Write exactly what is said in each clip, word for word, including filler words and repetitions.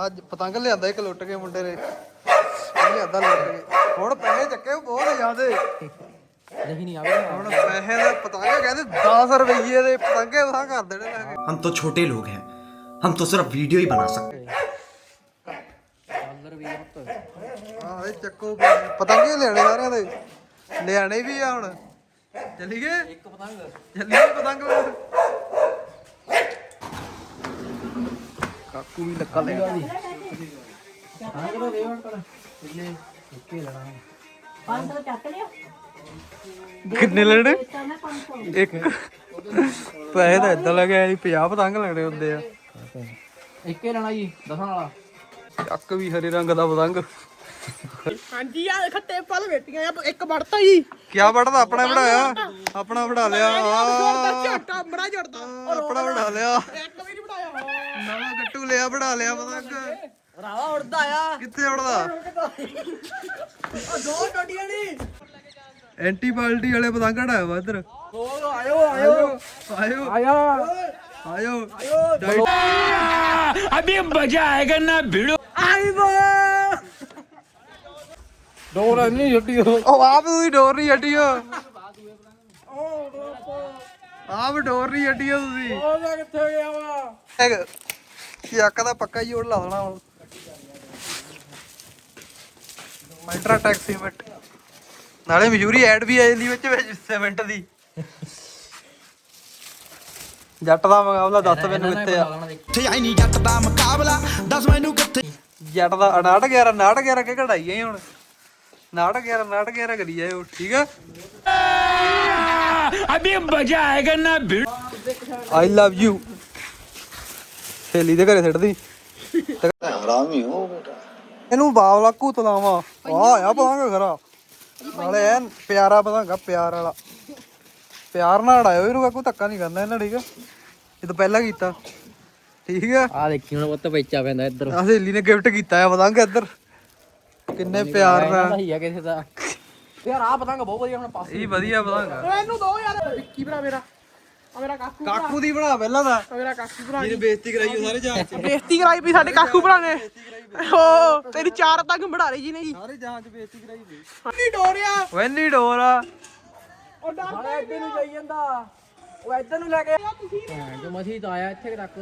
ਅੱਜ ਪਤੰਗ ਲਿਆਂਦਾ ਇੱਕ ਲੁੱਟ ਕੇ ਮੁੰਡੇ ਨੇ ਲਿਆਂਦਾ ਲੁੱਟ ਕੇ ਹੁਣ ਪੈਸੇ ਚੱਕੇ ਬਹੁਤ ਜ਼ਿਆਦੇ ਨਹੀਂ ਨਹੀਂ ਆਵੇ ਹੁਣ ਪੈਸੇ ਦਾ ਪਤੰਗ ਕਹਿੰਦੇ ਦਸ ਰੁਪਏ ਦੇ ਪਤੰਗੇ ਵਾਹ ਕਰ ਦੇਣੇ ਲੈ ਕੇ हम तो छोटे लोग हैं हम तो सिर्फ वीडियो ही बना सकते हैं ਆਹ ਇਹ ਚੱਕੋ ਪਤੰਗੇ ਲਿਆਣੇ ਸਾਰਿਆਂ ਦੇ ਲਿਆਣੇ ਵੀ ਆ ਹੁਣ ਚੱਲੀਏ ਇੱਕ ਪਤੰਗ ਚੱਲੀਏ ਪਤੰਗ ਕਾਕੂ ਵੀ ਲੱਕਾ ਲਿਆ ਹਾਂ ਕਿਲੋ ਦੇ ਹੁਣ ਕਰ ਕਿੰਨੇ ਇੱਕੇ ਲੈਣਾ ਪੰਜ ਸੌ ਚੱਕ ਲਿਓ ਕਿੰਨੇ ਲੈਣੇ ਇੱਕ ਪੈਸੇ ਤਾਂ ਏਦਾਂ ਲੱਗਿਆ ਜੀ ਪੰਜਾਹ ਪਤੰਗ ਲੱਗਣੇ ਹੁੰਦੇ ਆ ਇੱਕੇ ਲੈਣਾ ਜੀ ਦਸਾਂ ਵਾਲਾ ਚੱਕ ਵੀ ਹਰੇ ਰੰਗ ਦਾ ਪਤੰਗ ਹਾਂਜੀ ਆ ਖੱਟੇ ਫਲ ਵੇਟੀਆਂ ਆ ਇੱਕ ਵੜਤਾ ਜੀ ਕਿਆ ਵੜਦਾ ਆਪਣਾ ਵੜਾਇਆ ਆਪਣਾ ਵੜਾ ਲਿਆ ਝਟਾ ਬੜਾ ਜੜਦਾ ਆਪਣਾ ਵੜਾ ਲਿਆ ਇੱਕ ਵੀ ਨਹੀਂ ਬਣਾਇਆ ਨਵਾਂ ਗੱਟੂ ਲਿਆ ਵੜਾ ਲਿਆ ਪਤੰਗ ਰਾਵਾ ਉੜਦਾ ਆ ਕਿੱਥੇ ਵੜਦਾ ਉਹ ਦੋ ਟੋਟੀਆਂ ਨਹੀਂ ਐਂਟੀਬਾਇਓਟਿਕ ਵਾਲੇ ਪਤੰਗ ਹਟਾਇਆ ਵਾ ਇੱਧਰ ਓ ਆਇਓ ਆਇਓ ਆਇਓ ਆਇਆ ਆਇਓ अभी मजा आएगा ना भिड़ो ਆਈ ਬੋ ਡੋਰ ਨਹੀਂ ਛੱਡੀ ਉਹ ਆਪ ਤੁਸੀਂ ਡੋਰ ਨਹੀਂ ਛੱਡੀਓ ਆਪ ਡੋਰ ਨਹੀਂ ਛੱਡੀਓ ਤੁਸੀਂ ਉਹ ਕਿੱਥੇ ਗਿਆ ਵਾ ਚੱਕ ਦਾ ਪੱਕਾ ਹੀ ਓੜ ਲਾ ਦੇਣਾ ਹੁਣ ਅਲਟਰਾ ਟੈਕ ਸੀਮੈਂਟ ਨਾਲੇ ਮਜ਼ਦੂਰੀ ਐਡ ਵੀ ਆ ਜਾਂਦੀ ਵਿੱਚ ਵਿੱਚ ਸੀਮੈਂਟ ਦੀ ਜੱਟ ਦਾ ਮੁਕਾਬਲਾ ਦੱਸ ਮੈਨੂੰ ਕਿੱਥੇ ਆ आई नहीं जट दा मुकाबला दस मैनू किथे ਜੱਟ ਦਾ ਉਨਾਹਠ ਗਿਆਰਾਂ ਉਨਾਹਠ ਗਿਆਰਾਂ ਕੇ ਕਢਾਈ ਆਈ ਹੁਣ ਉਨਾਹਠ ਗਿਆਰਾਂ ਉਨਾਹਠ ਗਿਆਰਾਂ ਕਰੀ ਜਾਏ ਠੀਕ ਆ अभी मजा आएगा ना भिड़ो ਆਈ ਲਵ ਯੂ ਸਹੇਲੀ ਦੇ ਘਰੇ ਛੱਡਦੀ ਹਰਾਮੀ ਹੋ ਬੇਟਾ ਇਹਨੂੰ ਬਾਵਲਾ ਘੂਤ ਲਾਵਾਂ ਆ ਆ ਪਤੰਗ ਖਰਾ ਨਾਲੇ ਐਨ ਪਿਆਰਾ ਪਤੰਗਾ ਪਿਆਰ ਵਾਲਾ ਪਿਆਰ ਨਾਲ ਉਡਾਇਓ ਇਹਨੂੰ ਕਾਕੂ ਧੱਕਾ ਨਹੀਂ ਕਰਨਾ ਇਹਨਾਂ ਠੀਕ ਆ ਇਹ ਤਾਂ ਪਹਿਲਾਂ ਕੀਤਾ ਠੀਕ ਆ ਆ ਦੇਖੀ ਹੁਣ ਪੁੱਤ ਵੇਚਾ ਪੈਂਦਾ ਇੱਧਰ ਆ ਸਹੇਲੀ ਨੇ ਗਿਫਟ ਕੀਤਾ ਆ ਪਤੰਗ ਇੱਧਰ ਕਿੰਨੇ ਪਿਆਰ ਨਾਲ ਹੀ ਆ ਕਿਸੇ ਦਾ ਯਾਰ ਆ ਪਤੰਗ ਬਹੁਤ ਵਧੀਆ ਹੁਣ ਪਾਸੇ ਇਹ ਵਧੀਆ ਪਤੰਗ ਓਏ ਇਹਨੂੰ ਦੋ ਯਾਰ ਵਿੱਕੀ ਭਰਾ ਮੇਰਾ ਆ ਮੇਰਾ ਕਾਕੂ ਕਾਕੂ ਦੀ ਬਣਾ ਪਹਿਲਾਂ ਦਾ ਆ ਮੇਰਾ ਕਾਕੂ ਭਰਾ ਜਿਹਨੇ ਬੇਇੱਜ਼ਤੀ ਕਰਾਈ ਉਹ ਸਾਰੇ ਜਹਾਜ਼ ਚ ਬੇਇੱਜ਼ਤੀ ਕਰਾਈ ਵੀ ਸਾਡੇ ਕਾਕੂ ਭਰਾ ਨੇ ਓ ਤੇਰੀ ਚਾਰ ਤੱਕ ਬੜਾਰੇ ਜੀ ਨੇ ਜੀ ਸਾਰੇ ਜਹਾਜ਼ ਚ ਬੇਇੱਜ਼ਤੀ ਕਰਾਈ ਵੀ ਨਹੀਂ ਡੋਰਿਆ ਵੈਨੀ ਡੋਰ ਆ ਉਹ ਡਰ ਸਾਲਾ ਇੱਧਰ ਨੂੰ ਜਾਈ ਜਾਂਦਾ ਉਹ ਇੱਧਰ ਨੂੰ ਲੈ ਕੇ ਜੋ ਮਸੀ ਤਾਂ ਆਇਆ ਇੱਥੇ ਤੱਕ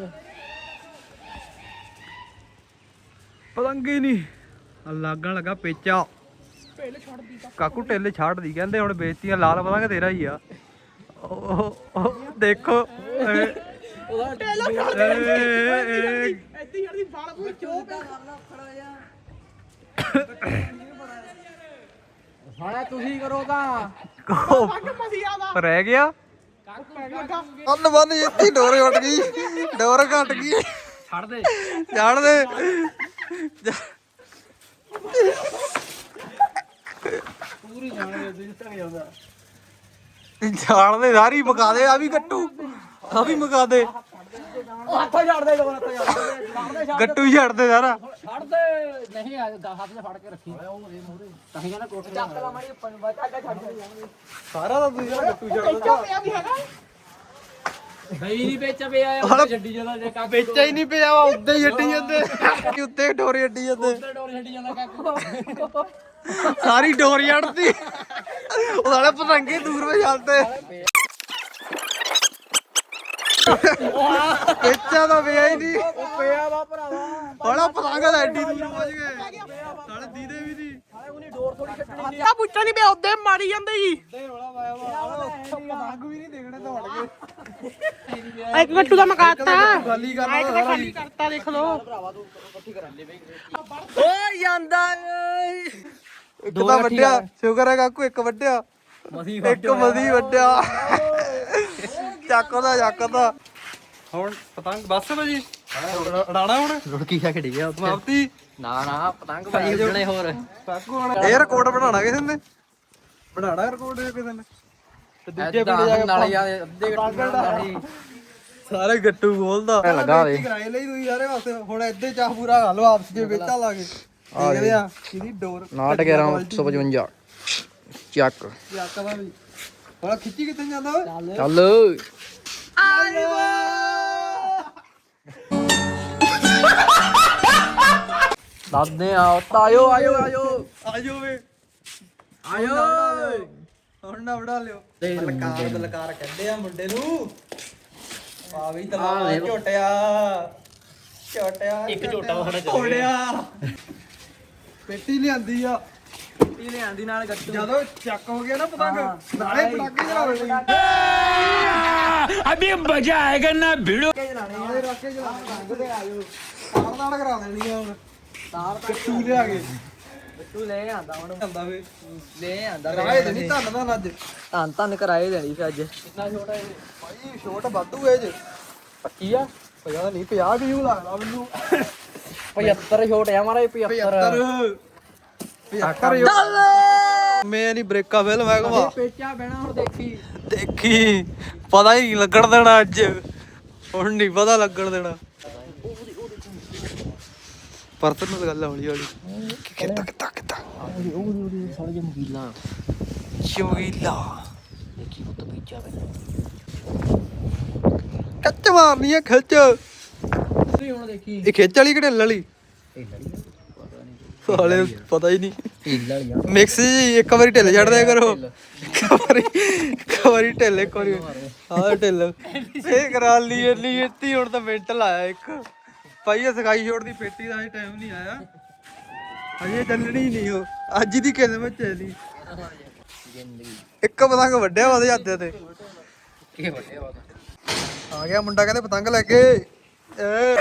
ਪਤੰਗ ਹੀ ਨਹੀਂ ਆ ਲੱਗਣ ਲੱਗਾ ਪੇਚਾ ਪਹਿਲੇ ਛੱਡਦੀ ਤਾਂ ਕਾਕੂ ਟੇਲੇ ਛੱਡਦੀ ਕਹਿੰਦੇ ਹੁਣ ਬੇਇੱਜ਼ਤੀਆਂ ਲਾਲ ਪਤੰਗ ਤੇਰਾ ਹੀ ਆ ਉਹ ਉਹ ਦੇਖੋ ਇਹ- ਉਹਦਾ ਪਹਿਲਾਂ ਇਹ- ਛੱਡਦੀ ਇਹ- ਐਦੀ ਯਾਰ ਬਾਲ ਕੋਈ ਚੋਕ ਸਾਲਾ ਤੁਸੀਂ ਕਰੋ ਤਾਂ ਉਹ ਪੱਗ ਮਸੀਆ ਦਾ ਰਹਿ ਗਿਆ ਲੱਗਾ ਅੰਨ ਬੰਨ ਇੱਥੇ ਡੋਰ ਉੱਡ ਗਈ ਡੋਰ ਘਟ ਗਈ ਛੱਡ ਦੇ ਛੱਡ ਦੇ ਪੂਰੀ ਜਾਣੇ ਜਿੱਦ ਤੱਕ ਜਾਂਦਾ ਛਾੜ ਦੇ ਸਾਰੀ ਮਕਾ ਦੇ ਆ ਵੀ ਗੱਟੂ ਆ ਵੀ ਮਕਾ ਦੇ ਉਹ ਹੱਥੋਂ ਛੱਡ ਦੇ ਦੋ ਹੱਥੋਂ ਛੱਡ ਦੇ ਛੱਡ ਦੇ ਗੱਟੂ ਹੀ ਛੱਡ ਦੇ ਸਾਰਾ ਛੱਡ ਦੇ ਨਹੀਂ ਆ ਹੱਥ 'ਚ ਫੜ ਕੇ ਰੱਖੀ ਉਹ ਇਹ ਮੂਰੇ ਤਾਂ ਹੀ ਕਹਿੰਦਾ ਕੋਟ ਚੱਕ ਲਾ ਮਾਰੀ ਉੱਪਰ ਨੂੰ ਬਚਾ ਛੱਡ ਦੇ ਸਾਰਾ ਤਾਂ ਤੁਸੀਂ ਗੱਟੂ ਛੱਡ ਇੱਚਾ ਪਿਆ ਵੀ ਹੈਗਾ ਨਹੀਂ ਨਹੀਂ ਵੇਚ ਪਿਆ ਆ ਛੱਡੀ ਜਾਂਦਾ ਜੇ ਕਾਕੂ ਵੇਚਾ ਹੀ ਨਹੀਂ ਪਿਆ ਵਾ ਉੱਤੇ ਹੀ ਅੱਡੀ ਜਾਂਦੇ ਉੱਤੇ ਡੋਰੀ ਅੱਡੀ ਜਾਂਦੇ ਡੋਰ ਛੱਡੀ ਜਾਂਦਾ ਕਾਕੂ ਸਾਰੀ ਡੋਰੀ ਅੜਦੀ ਉਹ ਸਾਲੇ ਪਤੰਗੇ ਦੂਰ ਵੇ ਚੱਲਦੇ ਵੇਚਾ ਤਾਂ ਪਿਆ ਹੀ ਨਹੀਂ ਪਿਆ ਵਾ ਭਰਾਵਾ ਬੜਾ ਪਤੰਗ ਦਾ ਐਡੀ ਦੂਰ ਪਹੁੰਚ ਗਏ ਸਾਲੇ ਦੀਦੇ ਵੀ ਨਹੀਂ ਹਾਲੇ ਉਹਨੇ ਡੋਰ ਥੋੜੀ ਛੱਡਣੀ ਆ ਪੁੱਛਾ ਨਹੀਂ ਪਿਆ ਉੱਦੇ ਮਾਰੀ ਜਾਂਦੇ ਜੀ ਪਤੰਗ ਵੀ ਨਹੀਂ ਦੇਖਣੇ ਦੌੜ ਗਏ ਆ ਇੱਕ ਗੱਟੂ ਦਾ ਮਕਾਤਾ ਖਾਲੀ ਆ ਇੱਕ ਤਾਂ ਖਾਲੀ ਕਰਤਾ ਦੇਖ ਲੋ ਓ ਜਾਂਦਾ ਇੱਕ ਤਾਂ ਵੱਡਿਆ ਸ਼ੁਕਰ ਹੈ ਕਾਕੂ ਇੱਕ ਵੱਡਿਆ ਮਸੀ ਇੱਕ ਮਦੀ ਵੱਡਿਆ ਚੱਕ ਉਹਦਾ ਚੱਕ ਉਹਦਾ ਹੁਣ ਪਤੰਗ ਬੱਸ ਭਾਜੀ ਉਡਾਣਾ ਹੁਣ ਰੁੜਕੀ ਖਾ ਖੜੀ ਗਿਆ ਸਮਾਪਤੀ ਨਾ ਨਾ ਪਤੰਗ ਭਾਈ ਉੱਡਣੇ ਹੋਰ ਕਾਕੂ ਹੁਣ ਇਹ ਰਿਕਾਰਡ ਬਣਾਉਣਾ ਕਿਸੇ ਨੇ ਬਣਾਉਣਾ ਰਿਕਾਰਡ ਕਿਸੇ ਨੇ ਤੇ ਦੂਜੇ ਪਿੰਡ ਜਾ ਕੇ ਨਾਲੇ ਯਾਰ ਅੱਧੇ ਗੱਟੂ ਨਾਲ ਸਾਰੇ ਗੱਟੂ ਖੋਲਦਾ ਲੱਗਾ ਵੇ। ਕਰਾਏ ਲਈ ਤੁਸੀਂ ਸਾਰੇ ਵਾਸਤੇ ਹੁਣ ਇੱਦੇ ਚਾਹ ਪੂਰਾ ਕਰ ਲਓ ਆਪਸ ਵਿੱਚ ਵੇਚਾ ਲਾ ਕੇ ਦੇਖਦੇ ਆ ਕਿਹਦੀ ਡੋਰ ਨਾਟ ਗਿਆਰਾਂ ਇੱਕ ਸੌ ਪਚਵੰਜਾ ਚੱਕ ਯਾਕਾ ਦਾ ਵੀ ਹੁਣ ਖਿੱਚੀ ਕਿੱਥੇ ਜਾਂਦਾ ਓਏ ਚੱਲ ਆਈ ਦੱਸਦੇ ਆ ਆਇਓ ਆਇਓ ਆਇਓ ਆਜੋ ਵੇ ਆਇਓ ਹੁਣ ਨਾ ਵੜਾ ਲਿਓ ਤੇ ਲਕਾਰ ਲਕਾਰ ਕਹਿੰਦੇ ਆ ਮੁੰਡੇ ਨੂੰ ਆ ਵੀ ਆ ਤਲਾ ਵੇ। ਝੋਟਿਆ ਝੋਟਿਆ ਇੱਕ ਝੋਟਾ ਸਾਡਾ ਚੱਲ ਝੋਟਿਆ ਪੇਟੀ ਲਿਆਂਦੀ ਆ ਪੱਟੀ ਲਿਆਂਦੀ ਨਾਲ ਗੱਟੂ ਜਦੋਂ ਚੱਕ ਹੋ ਗਿਆ ਨਾ ਪਤੰਗ ਨਾਲੇ ਪਟਾਕੇ ਚਲਾਉਣੇ ਅਭੀ ਮਜ਼ਾ ਆਏਗਾ ਨਾ ਭੀੜੋ ਨਾਲੇ ਰੱਖ ਕੇ ਚਲਾਉਣੇ ਪਤੰਗ ਤੇ ਆਜੋ ਤਾਰ ਤਾੜ ਕਰਾ ਦੇਣੀ ਆ ਹੁਣ ਤਾਰ ਕੱਟੂ ਲਿਆ ਕੇ ਗੱਟੂ ਲੈ ਆਂਦਾ ਹੁਣ ਆਂਦਾ ਵੇ ਲੈ ਆਂਦਾ ਕਰਾਏ ਤੇ ਨਹੀਂ ਧੰਨ ਦਾ ਅੱਜ ਧੰਨ ਧੰਨ ਕਰਾਏ ਦੇਣੀ ਫਿਰ ਅੱਜ ਕਿੰਨਾ ਛੋਟਾ ਇਹ ਭਾਈ ਛੋਟ ਵਾਧੂ ਏ ਜੇ ਪੱਕੀ ਆ ਪਤਾ ਨਹੀਂ ਪੰਜਾਹ ਕਿਉਂ ਲੱਗਦਾ ਮੈਨੂੰ ਪਝੱਤਰ ਛੋਟ ਆ ਮਾਰਾ ਪਝੱਤਰ ਪਝੱਤਰ ਮੈਂ ਨਹੀਂ ਬ੍ਰੇਕਾ ਫਿਲਮ ਹੈ ਕਮਾ ਪੇਚਾ ਬਹਿਣਾ ਹੁਣ ਦੇਖੀ ਦੇਖੀ ਪਤਾ ਹੀ ਨਹੀਂ ਲੱਗਣ ਦੇਣਾ ਅੱਜ ਹੁਣ ਨਹੀਂ ਪਤਾ ਲੱਗਣ ਦੇਣਾ ਪਰਤਨ ਨਾਲ ਗੱਲ ਹੌਲੀ ਹੌਲੀ ਕਿੱਤਾ ਕਿੱਤਾ ਕਿੱਤਾ ਉਹਦੀ ਉਹਦੀ ਸਾਲੇ ਜਮਗੀਲਾ ਚਮਗੀਲਾ ਦੇਖੀ ਪੁੱਤ ਪੇਚਾ ਬਹਿਣਾ ਕੱਚ ਮਾਰਨੀ ਆ ਖਿੱਚ ਤੁਸੀਂ ਹੁਣ ਦੇਖੀ ਇਹ ਖਿੱਚ ਵਾਲੀ ਕਿਹੜੇ ਵਾਲੀ ਇਹ ਲੜੀ ਸਾਲੇ ਪਤਾ ਹੀ ਨਹੀਂ ਢਿੱਲ ਵਾਲੀ ਆ ਮਿਕਸ ਜੀ ਇੱਕ ਵਾਰੀ ਢਿੱਲ ਛੱਡ ਦਿਆ ਕਰੋ ਇੱਕ ਵਾਰੀ ਇੱਕ ਵਾਰੀ ਢਿੱਲ ਇੱਕ ਵਾਰੀ ਆਹ ਢਿੱਲ ਇਹ ਕਰਾ ਲਈ ਇੰਨੀ ਇੱਤੀ ਹੁਣ ਤਾਂ ਮਿੰਟ ਲਾਇਆ ਇੱਕ ਭਾਈ ਇਹ ਸਕਾਈ ਛੋੜ ਦੀ ਪੇਟੀ ਦਾ ਟਾਈਮ ਨਹੀਂ ਆਇਆ ਅਜੇ ਚੱਲਣੀ ਨਹੀਂ ਉਹ ਅੱਜ ਦੀ ਕਿਸਮਤ ਚੱਲੀ ਜ਼ਿੰਦਗੀ ਇੱਕ ਪਤੰਗ ਵੱਡਿਆ ਉਹਦੇ ਹੱਥ ਤੇ ਕੀ ਵੱਡੇ ਵਾ ਆ ਗਿਆ ਮੁੰਡਾ ਕਹਿੰਦੇ ਪਤੰਗ ਲੈ ਕੇ ਏ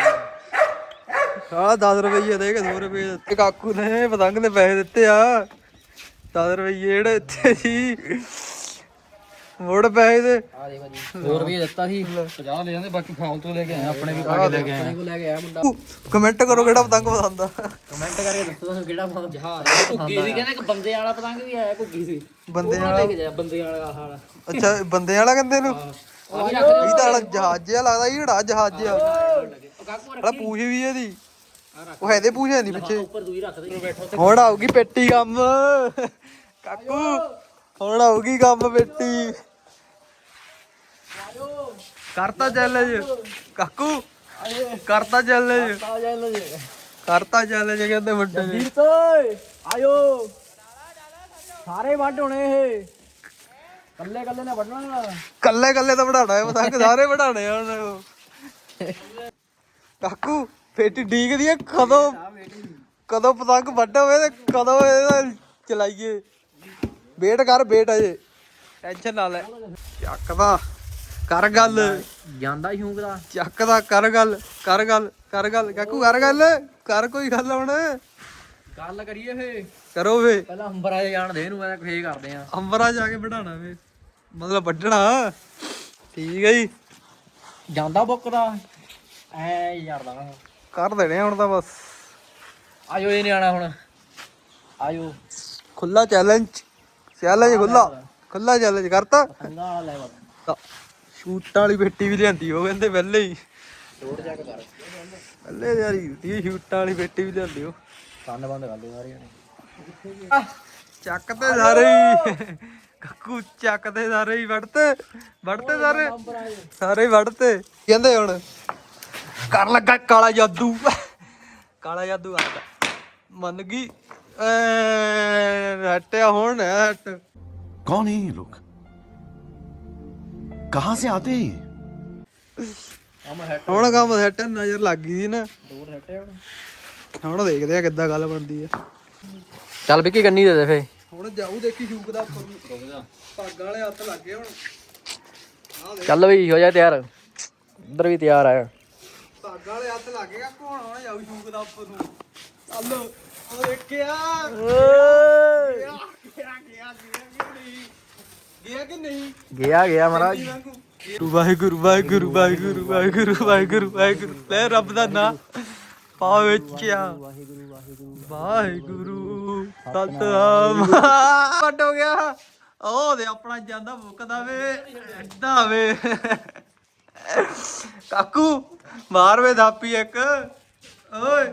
ਆ ਦਸ ਰੁਪਏ ਦੇ ਕੇ ਦੋ ਰੁਪਏ ਦਿੱਤੇ ਕਾਕੂ ਨੇ ਪਤੰਗ ਦੇ ਪੈਸੇ ਦਿੱਤੇ ਆ ਦਸ ਰੁਪਏ ਜਿਹੜੇ ਇੱਥੇ ਸੀ ਮੋੜ ਪੈਸੇ ਦੇ ਆ ਦੇਖ ਜੀ ਦੋ ਰੁਪਏ ਦਿੱਤਾ ਸੀ ਪੰਜਾਹ ਲੈ ਜਾਂਦੇ ਬਾਕੀ ਫਾਲਤੂ ਲੈ ਕੇ ਆਏ ਆਪਣੇ ਵੀ ਪਾ ਕੇ ਲੈ ਕੇ ਆਏ ਆਪਣੇ ਕੋ ਲੈ ਕੇ ਆਇਆ ਮੁੰਡਾ ਕਮੈਂਟ ਕਰੋ ਕਿਹੜਾ ਪਤੰਗ ਪਸੰਦ ਆ ਕਮੈਂਟ ਕਰਕੇ ਦੱਸੋ ਤੁਹਾਨੂੰ ਕਿਹੜਾ ਪਤੰਗ ਜਹਾਜ਼ ਭੁੱਗੀ ਸੀ ਕਹਿੰਦਾ ਇੱਕ ਬੰਦੇ ਵਾਲਾ ਪਤੰਗ ਵੀ ਆਇਆ ਭੁੱਗੀ ਸੀ ਬੰਦੇ ਉਹ ਵਾਲਾ ਲੈ ਕੇ ਜਾ ਬੰਦੇ ਵਾਲਾ ਹਾਲ ਅੱਛਾ ਬੰਦੇ ਵਾਲਾ ਕਹਿੰਦੇ ਨੂੰ ਆ ਵੀ ਰੱਖ ਇਹ ਤਾਂ ਵਾਲਾ ਜਹਾਜ਼ ਜਿਹਾ ਲੱਗਦਾ ਇਹ ਜਿਹੜਾ ਜਹਾਜ਼ ਜਿਹਾ ਉਹ ਕਾਕੂ ਵਾਲਾ ਪੂਛ ਵੀ ਇਹਦੀ ਉਹ ਇਹਦੇ ਪੂਛ ਹੈ ਨਹੀਂ ਪਿੱਛੇ ਉੱਪਰ ਦੂਈ ਰੱਖ ਦੇ ਬੈਠੋ ਹੁਣ ਆਊਗੀ ਪੇਟੀ ਕੰਮ ਕਾਕੂ ਹੁਣ ਆਊਗੀ ਕੰਮ ਪੇਟੀ ਕਰਤਾ ਚੈਲੰਜ ਕਾਕੂ ਕਰਤਾ ਚੈਲੰਜ ਆ ਜਾ ਲੋ ਜੀ ਕਰਤਾ ਚੈਲੰਜ ਕਹਿੰਦੇ ਮੁੰਡੇ ਨੇ ਵੀਰ ਤੋਏ ਆਇਓ ਸਾਰੇ ਵੱਢ ਹੋਣੇ ਇਹ ਕੱਲੇ ਕੱਲੇ ਨੇ ਵੱਢਣਾ ਕੱਲੇ ਕੱਲੇ ਤਾਂ ਵਢਾਣਾ ਹੈ ਪਤੰਗ ਸਾਰੇ ਵਢਾਣੇ ਆ ਹੁਣ ਕਾਕੂ ਪੇਟੀ ਡੀਕਦੀ ਆ ਕਦੋਂ ਕਦੋਂ ਪਤੰਗ ਵੱਢ ਹੋਵੇ ਤੇ ਕਦੋਂ ਇਹਦਾ ਚਲਾਈਏ ਵੇਟ ਕਰ ਵੇਟ ਅਜੇ ਟੈਨਸ਼ਨ ਨਾ ਲੈ ਚੱਕਦਾ ਕਰ ਗੱਲ ਜਾਂਦਾ ਹੀ ਹੂੰਗਦਾ ਚੱਕਦਾ ਕਰ ਗੱਲ ਕਰ ਗੱਲ ਕਰ ਗੱਲ ਕਾਕੂ ਕਰ ਗੱਲ ਕਰ ਕੋਈ ਗੱਲ ਹੁਣ ਗੱਲ ਕਰੀਏ ਫੇ ਕਰੋ ਵੇ ਪਹਿਲਾਂ ਅੰਬਰਾ ਜਾਣ ਦੇ ਇਹਨੂੰ ਮੈਂ ਫੇ ਕਰਦੇ ਆ ਅੰਬਰਾ ਜਾ ਕੇ ਵਢਾਣਾ ਵੇ ਮਤਲਬ ਵੱਢਣਾ ਠੀਕ ਹੈ ਜੀ ਜਾਂਦਾ ਬੁੱਕਦਾ ਐ ਯਾਰਦਾ ਕਰ ਦੇਣੇ ਹੁਣ ਤਾਂ ਬਸ ਆਇਓ ਇਹ ਨਹੀਂ ਆਣਾ ਹੁਣ ਆਇਓ ਖੁੱਲਾ ਚੈਲੰਜ ਚੈਲੰਜ ਖੁੱਲਾ ਖੁੱਲਾ ਚੈਲੰਜ ਕਰਤਾ ਸੰਗਾ ਵਾਲਾ ਲੈ ਬਾਬਾ ਸ਼ੂਟਾਂ ਵਾਲੀ ਪੇਟੀ ਵੀ ਲਿਆਂਦੀ ਉਹ ਕਹਿੰਦੇ ਪਹਿਲੇ ਹੀ ਤੋੜ ਜਾ ਕੇ ਕਰ ਪਹਿਲੇ ਯਾਰੀ ਹੁੰਦੀ ਸ਼ੂਟਾਂ ਵਾਲੀ ਪੇਟੀ ਵੀ ਲਿਆਂਦੀ ਉਹ ਕੰਨ ਬੰਦ ਕਰ ਲਓ ਸਾਰੀਆਂ ਨੇ ਚੱਕ ਤੇ ਸਾਰੇ ਹੀ ਕਾਕੂ ਚੱਕ ਤੇ ਸਾਰੇ ਹੀ ਵੜਤੇ ਵੜਤੇ ਸਾਰੇ ਸਾਰੇ ਹੀ ਵੜਤੇ ਕਹਿੰਦੇ ਹੁਣ ਕਰ ਲੱਗਾ ਕਾਲਾ ਜਾਦੂ ਕਾਲਾ ਜਾਦੂ ਆਦਾ ਮੰਨ ਗਈ ਐ ਹਟਿਆ ਹੁਣ ਹਟ कौन है ये लोग कहाँ से आते हैं ये? ਆਮ ਹੈਟ ਹੁਣ ਕੰਮ ਸੈੱਟ ਨਜ਼ਰ ਲੱਗ ਗਈ ਸੀ ਨਾ ਦੂਰ ਹਟੇ ਹੁਣ ਹੁਣ ਦੇਖਦੇ ਆ ਕਿੱਦਾਂ ਗੱਲ ਬਣਦੀ ਆ ਚੱਲ ਵਿੱਕੀ ਕੰਨੀ ਦੇ ਦੇ ਫੇ ਹੁਣ ਜਾਊ ਦੇਖੀ ਸ਼ੂਕ ਦਾ ਪੱਗ ਵਾਲੇ ਹੱਥ ਲੱਗ ਗਏ ਹੁਣ ਚੱਲ ਬਈ ਹੋ ਜਾ ਤਿਆਰ ਉਧਰ ਵੀ ਤਿਆਰ ਆ ਪੱਗ ਵਾਲੇ ਹੱਥ ਲੱਗ ਗਏ ਕੋਣ ਹੁਣ ਜਾਊ ਸ਼ੂਕ ਦਾ ਉੱਪਰ ਨੂੰ ਚੱਲ ਉਹ ਦੇਖਿਆ ਗਿਆ ਕਿ ਨਹੀਂ ਗਿਆ ਗਿਆ ਮਹਾਰਾਜ ਵਾਹਿਗੁਰੂ ਵਾਹਿਗੁਰੂ ਵਾਹਿਗੁਰੂ ਵਾਹਿਗੁਰੂ ਵਾਹਿਗੁਰੂ ਵਾਹਿਗੁਰੂ ਲੈ ਰੱਬ ਦਾ ਨਾਮ ਪਾ ਵੇਚਿਆ ਵਾਹਿਗੁਰੂ ਸਤਨਾਮ ਵੱਡ ਹੋ ਗਿਆ ਉਹ ਦੇ ਆਪਣਾ ਜਾਂਦਾ ਮੁੱਕਦਾ ਵੇ ਐਡਾ ਵੇ ਕਾਕੂ ਮਾਰ ਵੇ ਥਾਪੀ ਇੱਕ ਓਏ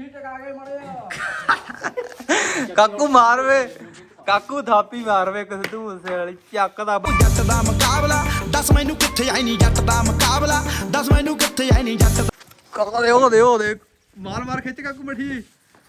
ਕਾਕੂ ਮਾਰ ਵੇ ਕਾਕੂ ਥਾਪੀ ਮਾਰ ਵੇ ਕਿਸ ਤੂੰ ਉਸੇ ਵਾਲੀ ਚੱਕ ਦਾ ਜੱਟ ਦਾ ਮੁਕਾਬਲਾ ਦੱਸ ਮੈਨੂੰ ਕਿੱਥੇ ਆਈ ਨਹੀਂ ਜੱਟ ਦਾ ਮੁਕਾਬਲਾ ਦੱਸ ਮੈਨੂੰ ਕਿੱਥੇ ਆਈ ਨਹੀਂ ਜੱਟ ਕਾਕਾ ਦੇ ਉਹ ਦੇ ਉਹ ਦੇ ਮਾਰ ਮਾਰ ਖਿੱਚ ਕਾਕੂ ਮਠੀ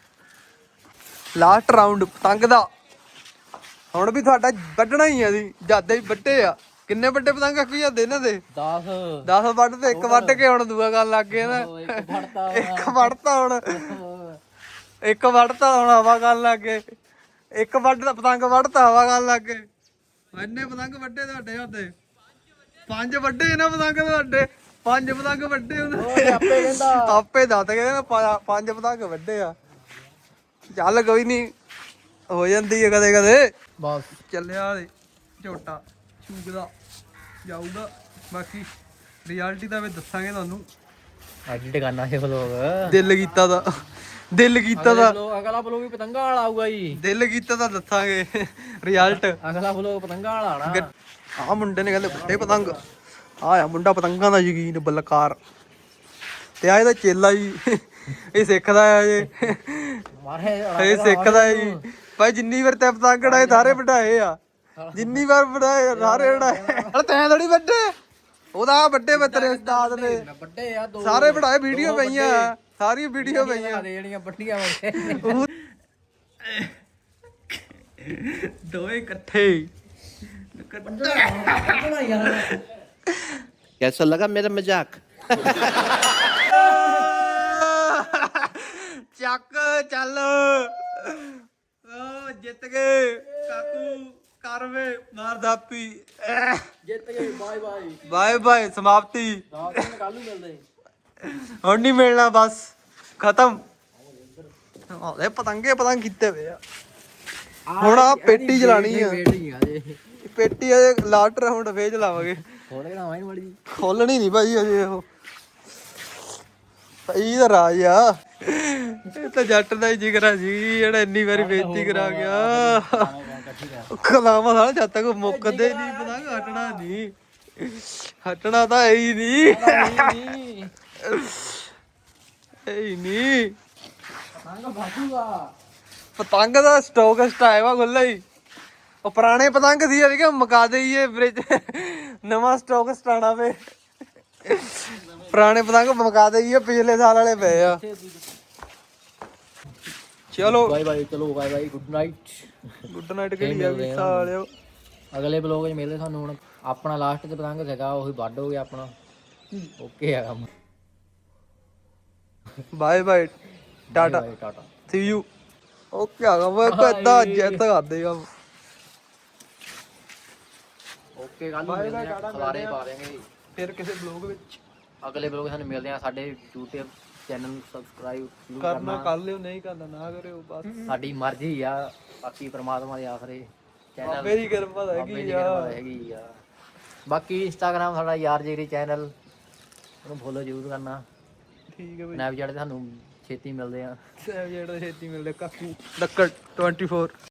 ਲਾਸਟ ਰਾਉਂਡ ਪਤੰਗ ਦਾ ਹੁਣ ਵੀ ਤੁਹਾਡਾ ਵੱਢਣਾ ਹੀ ਆ ਜੀ ਜਿਆਦਾ ਹੀ ਵੱਡੇ ਆ ਕਿੰਨੇ ਵੱਡੇ ਪਤੰਗ ਆਖੀ ਜਾਂਦੇ ਇਹਨਾਂ ਦੇ ਦਸ ਦਸ ਵੱਢ ਤੇ ਇੱਕ ਵੱਢ ਕੇ ਹੁਣ ਦੂਆ ਗੱਲ ਲੱਗ ਗਿਆ ਨਾ ਇੱਕ ਫੜਤਾ ਇੱਕ ਵੱਢਤਾ ਹੁਣ ਇੱਕ ਵੱਢਤਾ ਹੁਣ ਹਵਾ ਗੱਲ ਲੱਗ ਗਏ ਇੱਕ ਵੱਢ ਪਤੰਗ ਵੱਢਤਾ ਹਵਾ ਗੱਲ ਲੱਗ ਗਏ ਇੰਨੇ ਪਤੰਗ ਵੱਡੇ ਤੁਹਾਡੇ ਹੁੰਦੇ ਪੰਜ ਵੱਡੇ ਇਹਨਾਂ ਪਤੰਗ ਤੁਹਾਡੇ ਪੰਜ ਪਤੰਗ ਵੱਡੇ ਹੁੰਦੇ ਆਪੇ ਕਹਿੰਦਾ ਆਪੇ ਦੱਸ ਕੇ ਪੰਜ ਪਤੰਗ ਵੱਡੇ ਆ ਚੱਲ ਕੋਈ ਨਹੀਂ ਹੋ ਜਾਂਦੀ ਹੈ ਕਦੇ ਕਦੇ ਬਸ ਚੱਲਿਆ ਦੇ ਝੋਟਾ ਚੂਗਦਾ ਜਾਊਗਾ ਬਾਕੀ ਰਿਐਲਿਟੀ ਦਾ ਵੀ ਦੱਸਾਂਗੇ ਤੁਹਾਨੂੰ ਐਡਿਟ ਕਰਨਾ ਹੈ ਵਲੋਗ ਦਿਲ ਕੀਤਾ ਦਾ ਦਿਲ ਕੀਤਾ ਦਾ ਅਗਲਾ ਵਲੋਗ ਵੀ ਪਤੰਗਾ ਵਾਲਾ ਆਊਗਾ ਜੀ ਦਿਲ ਕੀਤਾ ਦਾ ਦੱਸਾਂਗੇ ਰਿਜ਼ਲਟ ਅਗਲਾ ਵਲੋਗ ਪਤੰਗਾ ਵਾਲਾ ਆਣਾ ਆਹ ਮੁੰਡੇ ਨੇ ਕਹਿੰਦੇ ਵੱਡੇ ਪਤੰਗ ਆਹ ਆ ਮੁੰਡਾ ਪਤੰਗਾਂ ਦਾ ਯਕੀਨ ਬਲਕਾਰ ਤੇ ਆ ਇਹਦਾ ਚੇਲਾ ਜੀ ਇਹ ਸਿੱਖਦਾ ਆ ਜੇ ਮਾਰੇ ਇਹ ਸਿੱਖਦਾ ਹੈ ਜੀ ਭਾਈ ਜਿੰਨੀ ਵਾਰ ਤੇ ਪਤੰਗ ਉਡਾਏ ਸਾਰੇ ਵਢਾਏ ਆ ਜਿੰਨੀ ਵਾਰ ਵਢਾਏ ਸਾਰੇ ਉਡਾਏ ਹਲ ਤੈਂ ਥੋੜੀ ਵੱਡੇ ਉਹਦਾ ਵੱਡੇ ਬੱਤਰੇ ਉਸਤਾਦ ਨੇ ਵੱਡੇ ਆ ਦੋ ਸਾਰੇ ਵਢਾਏ ਵੀਡੀਓ ਪਈਆਂ ਸਾਰੀ ਵੀਡੀਓ ਪਈਆਂ ਜਿਹੜੀਆਂ ਵੱਡੀਆਂ ਵੱਡੇ ਦੋਏ ਇਕੱਠੇ कैसा लगा मेरा मजाक? ਚੱਕ ਚੱਲ ਓ ਜਿੱਤ ਗਏ ਕਾਕੂ ਕਰਵੇ ਮਾਰ ਦਾਪੀ ਜਿੱਤ ਗਏ ਬਾਏ ਬਾਏ ਬਾਏ ਬਾਏ ਸਮਾਪਤੀ ਰਾਤ ਨੂੰ ਕੱਲ ਨੂੰ ਮਿਲਦੇ ਹੁਣ ਨਹੀਂ ਮਿਲਣਾ ਬਸ ਖਤਮ ਆਹ ਪਤੰਗੇ ਪਤੰਗ ਕੀਤੇ ਵੇ ਆ ਹੁਣ ਆ ਪੇਟੀ ਚਲਾਣੀ ਆ ਵੇਟਿੰਗ ਆ ਜੇ ਪੇਟੀ ਅਜੇ ਲਾਸਟ ਰਾਉਂਡ ਫੇਰ ਚਲਾਵਾਂਗੇ ਖੋਲ ਕੇ ਲਾਵਾਂ ਮੜੀ ਖੋਲਣੀ ਨਹੀਂ ਭਾਈ ਅਜੇ ਉਹ ਭਾਈ ਦਾ ਰਾਜ ਆ ਇਹ ਤਾਂ ਜੱਟ ਦਾ ਹੀ ਜਿਗਰਾ ਸੀ ਜਿਹੜਾ ਇੰਨੀ ਵਾਰੀ ਬੇਇੱਜ਼ਤੀ ਕਰਾ ਗਿਆ ਕਲਾਮਾ ਸਾਲਾ ਜਦ ਤੱਕ ਮੁੱਕਦੇ ਨਹੀਂ ਪਤੰਗ ਹਟਣਾ ਨਹੀਂ ਹਟਣਾ ਤਾਂ ਹੈ ਹੀ ਨਹੀਂ ਨਹੀਂ ਹੈ ਹੀ ਨਹੀਂ ਪਤੰਗ ਬਾਜੂਗਾ ਪਤੰਗ ਦਾ ਸਟਾਕ ਸਟਾਇਆ ਵਾ ਖੁੱਲਾ ਹੀ ਉਹ ਪੁਰਾਣੇ ਪਤੰਗ ਸੀ ਅਜੇ ਕਿ ਮੁਕਾ ਦੇਈਏ ਫ੍ਰਿਜ ਨਵਾਂ ਸਟਾਕ ਸਟਾਣਾ ਵੇ ਪੁਰਾਣੇ ਪਤੰਗ ਮੁਕਾ ਦੇਈਏ ਪਿਛਲੇ ਸਾਲ ਵਾਲੇ ਪਏ ਆ ਚਲੋ ਬਾਏ ਬਾਏ ਚਲੋ bye bye good night good night ਕਿਹੜੀ ਆ ਵੀ ਸਾਲਿਓ ਅਗਲੇ ਬਲੌਗ 'ਚ ਮਿਲਦੇ ਸਾਨੂੰ ਹੁਣ ਆਪਣਾ ਲਾਸਟ ਤੇ ਪਤੰਗ ਸੀਗਾ ਉਹੀ ਵੱਢ ਹੋ ਗਿਆ ਆਪਣਾ ਓਕੇ ਆ ਕੰਮ bye bye tata bye tata see you okay ਆ ਗਾ ਮੈਂ ਕਦਾਂ ਜਿੱਤ ਕਰਦੇ ਆ ਓਕੇ ਕੱਲ ਨੂੰ ਮਿਲਦੇ ਆ ਖਲਾਰੇ ਪਾ ਦੇਂਗੇ ਫਿਰ ਕਿਸੇ ਬਲੌਗ ਵਿੱਚ ਅਗਲੇ ਬਲੌਗ ਸਾਨੂੰ ਮਿਲਦੇ ਆ ਸਾਡੇ YouTube ਚੈਨਲ ਨੂੰ ਸਬਸਕ੍ਰਾਈਬ ਜ਼ਰੂਰ ਕਰਨਾ ਕਰਨਾ ਕਰ ਲਿਓ ਨਹੀਂ ਕਰਨਾ ਨਾ ਕਰਿਓ ਬਸ ਸਾਡੀ ਮਰਜ਼ੀ ਆ ਬਾਕੀ ਪ੍ਰਮਾਤਮਾ ਦੇ ਆਸਰੇ ਚੈਨਲ ਬਾਬੇ ਦੀ ਕਿਰਪਾ ਤਾਂ ਹੈਗੀ ਆ ਹੈਗੀ ਆ ਬਾਕੀ ਇੰਸਟਾਗ੍ਰਾਮ ਸਾਡਾ ਯਾਰ ਜੇਰੀ ਚੈਨਲ ਉਹਨੂੰ ਫੋਲੋ ਜ਼ਰੂਰ ਕਰਨਾ ਠੀਕ ਹੈ ਬਈ ਸਨੈਪਚੈਟ ਤੇ ਸਾਨੂੰ ਛੇਤੀ ਮਿਲਦੇ ਆ ਜਿਹੜਾ ਛੇਤੀ ਮਿਲਦੇ ਕਾਕੂ ਲੱਕੜ ਚੌਵੀ